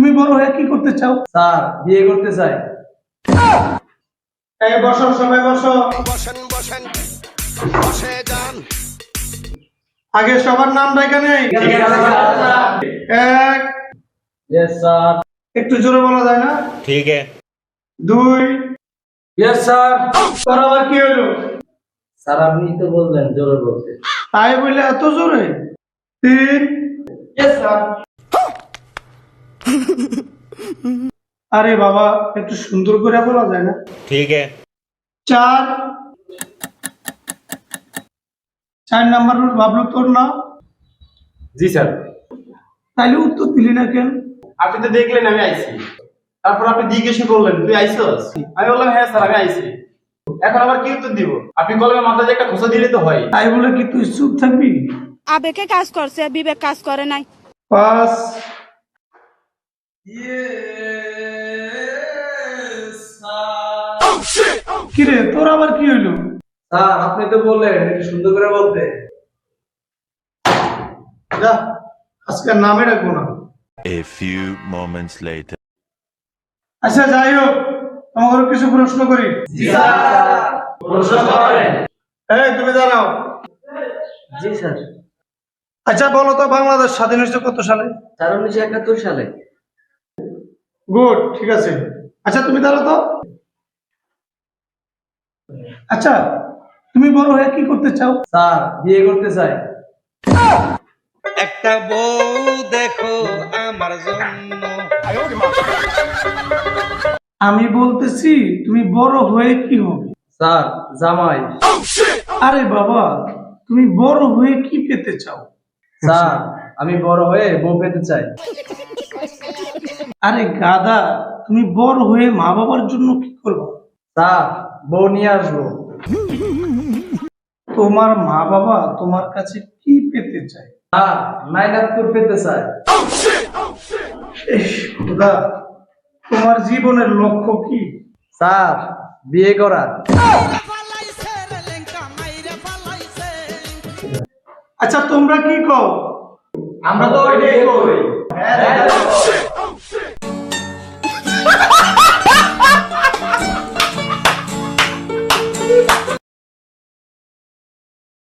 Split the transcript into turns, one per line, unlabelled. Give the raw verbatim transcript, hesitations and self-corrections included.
তুমি বড় হয়ে কি করতে চাও?
স্যার বিয়ে করতে চাই।
এই বসো, সবাই বসো।
বসেন বসেন বসে যান।
আগে সবার নাম ডাকা নেই। এক,
ইয়েস স্যার।
একটু জোরে বলা যায় না?
ঠিক আছে।
দুই,
ইয়েস স্যার।
তোর আবার কি হলো?
স্যার আপনি তো বললেন জোরে বলতে।
তাই বলে এত জোরে? তিন,
ইয়েস স্যার।
আরে বাবা একটু সুন্দর করে বলা যায় না?
ঠিক আছে।
চার, চার নাম্বার রুল ভাবলো তোর না?
জি স্যার।
তাইলে উত্তর দিলি না কেন?
আপনি তো দেখলেন আমি আইছি, তারপর আপনি জিজ্ঞেস করলেন তুই আইছস, আমি বললাম হ্যাঁ স্যার আমি আইছি। এখন আবার কি উত্তর দিব? আপনি কলমে মাথায় একটা খোঁচা দিলে তো হয়।
তাই বলে কি তুই চুপ থাকবি?
আবেগে কাজ করছে, বিবেক কাজ করে নাই।
পাঁচ, কিরে তোর আবার কি হইলো?
স্যার আপনি তো বললেন একটু সুন্দর করে বলতে।
যা আজকে নামে রাখবো না।
A few moments later.
আচ্ছা যাই হোক, তোমাকে কিছু প্রশ্ন করি।
জি স্যার। প্রশ্ন করেন।
এই তুমি দাঁড়াও।
জি স্যার।
আচ্ছা বলো তো বাংলাদেশ স্বাধীন হয়েছে কত সালে?
স্যার উনিশশো একাত্তর সালে।
গুড, ঠিক আছে। আচ্ছা তুমি দাঁড়াও তো। আচ্ছা তুমি বড় হয়ে কি করতে চাও?
স্যার বিয়ে করতে চাই।
একটা বউ দেখো আমার জন্য।
আমি বলতেছি তুমি বড় হয়ে কি হবে?
স্যার জামাই।
আরে বাবা তুমি বড় হয়ে কি পেতে চাও?
স্যার আমি বড় হয়ে বউ পেতে চাই।
আরে গাদা তুমি বড় হয়ে মা বাবার জন্য কি করবে?
স্যার বউ নিয়ে আসবো।
তোমার মা বাবা তোমার কাছে কি পেতে চায়?
স্যার নাইনাতপুর পেতে চাই।
ইস, খোদা, তোমার জীবনের লক্ষ্য কি?
স্যার বিয়ে করা।
আচ্ছা তোমরা কি কও?
আমরা তো ওইটাই করি।